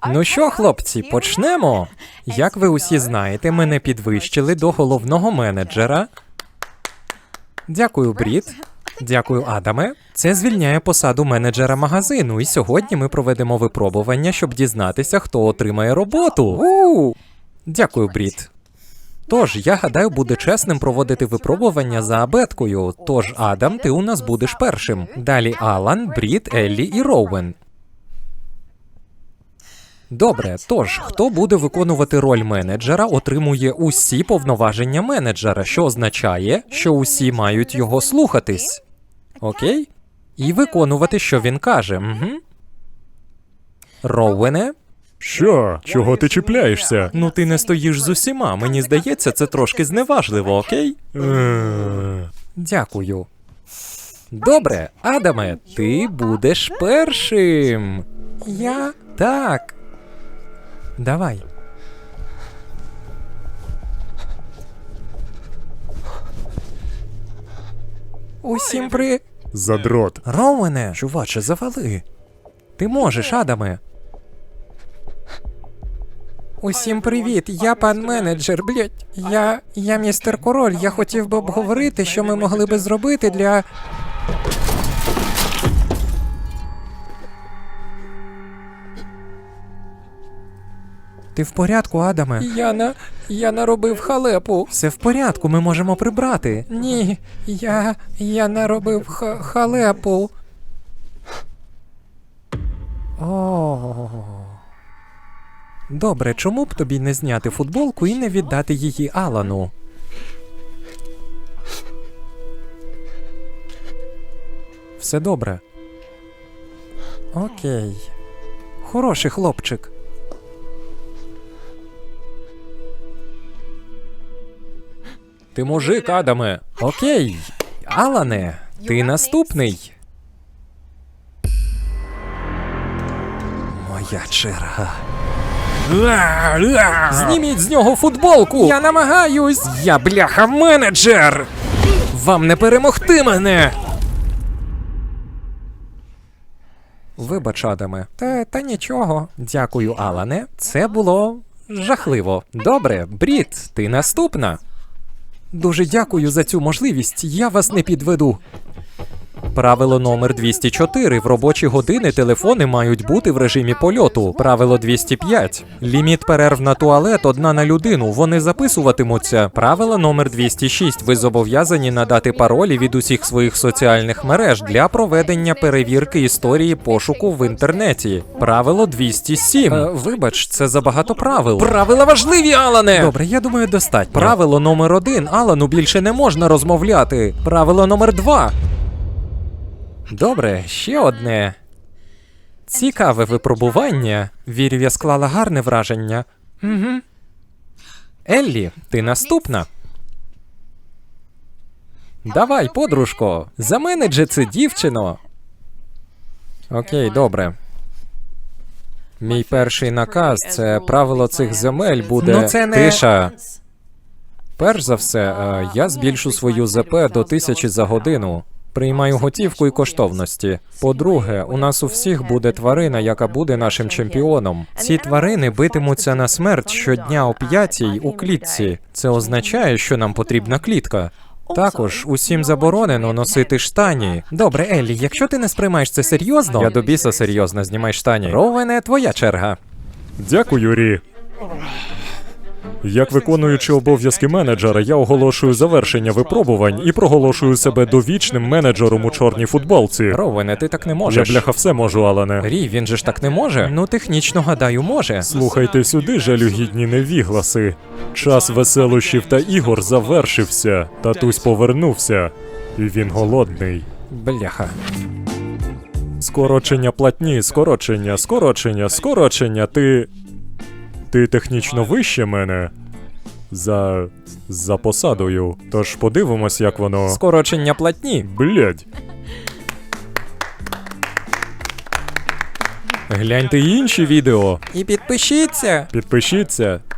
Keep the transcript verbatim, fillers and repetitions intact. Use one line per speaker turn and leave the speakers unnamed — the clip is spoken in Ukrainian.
Ну що, хлопці, почнемо? Як ви усі знаєте, мене підвищили до головного менеджера. Дякую, Брід. Дякую, Адаме. Це звільняє посаду менеджера магазину, і сьогодні ми проведемо випробування, щоб дізнатися, хто отримає роботу. У! Дякую, Брід. Тож, я гадаю, буде чесним проводити випробування за абеткою. Тож, Адам, ти у нас будеш першим. Далі Алан, Брід, Еллі і Роуен. Добре, тож, хто буде виконувати роль менеджера, отримує усі повноваження менеджера, що означає, що усі мають його слухатись. Окей? І виконувати, що він каже. Угу. Роуене?
Що? Чого ти чіпляєшся?
Ну ти не стоїш з усіма, мені здається, це трошки зневажливо, окей?
Е,
Дякую. Добре, Адаме, ти будеш першим. Я? Так. Давай. Усім при...
Задрот.
Роуене, чуваче, завали. Ти можеш, Адаме. Усім привіт, я пан менеджер, блять. Я... я містер Король, я хотів би обговорити, що ми могли би зробити для... Ти в порядку, Адаме? Я на... я наробив халепу. Все в порядку, ми можемо прибрати. Ні, я... я наробив ха... халепу. О. Добре, чому б тобі не зняти футболку і не віддати її Алану? Все добре. Окей. Хороший хлопчик. Ти мужик, Адаме. Окей. Алане, ти наступний. Моя черга. Зніміть з нього футболку! Я намагаюсь! Я бляха менеджер! Вам не перемогти мене! Вибач, Адаме. Та, та нічого. Дякую, Алане. Це було жахливо. Добре, Брід, ти наступна. Дуже дякую за цю можливість. Я вас не підведу. Правило номер двісті чотири. В робочі години телефони мають бути в режимі польоту. Правило двісті п'ять. Ліміт перерв на туалет одна на людину. Вони записуватимуться. Правило номер двісті шість. Ви зобов'язані надати паролі від усіх своїх соціальних мереж для проведення перевірки історії пошуку в інтернеті. Правило двісті сім. Е, вибач, це забагато правил. Правила важливі, Алане! Добре, я думаю, достатньо. Правило номер один. Алану більше не можна розмовляти. Правило номер два. Добре, ще одне. Цікаве випробування. Вірю, я склала гарне враження. Угу. Еллі, ти наступна. Давай, подружко, заменеджи це дівчино. Окей, добре. Мій перший наказ – це правило цих земель буде...
Ну, це не...
Тиша. Перш за все, е, я збільшу свою ЗП до тисячі за годину. Приймаю готівку і коштовності. По-друге, у нас у всіх буде тварина, яка буде нашим чемпіоном. Ці тварини битимуться на смерть щодня о п'ятій у клітці. Це означає, що нам потрібна клітка. Також усім заборонено носити штані. Добре, Еллі, якщо ти не сприймаєш це серйозно... Я до біса серйозно, знімай штані. Роуене, твоя черга.
Дякую, Рі. Як виконуючи обов'язки менеджера, я оголошую завершення випробувань і проголошую себе довічним менеджером у чорній футболці.
Роуене, ти так не
Я,
можеш.
бляха, все можу, Алане.
Рі, він же ж так не може? Ну, технічно, гадаю, може.
Слухайте сюди, жалюгідні невігласи. Час веселощів та ігор завершився. Татусь повернувся. І він голодний.
Бляха.
Скорочення платні, скорочення, скорочення, скорочення. Ти... Ти технічно вище мене. За... за посадою. Тож подивимось, як воно...
Скорочення платні.
Блядь.
Гляньте інші відео.
І підпишіться!
Підпишіться.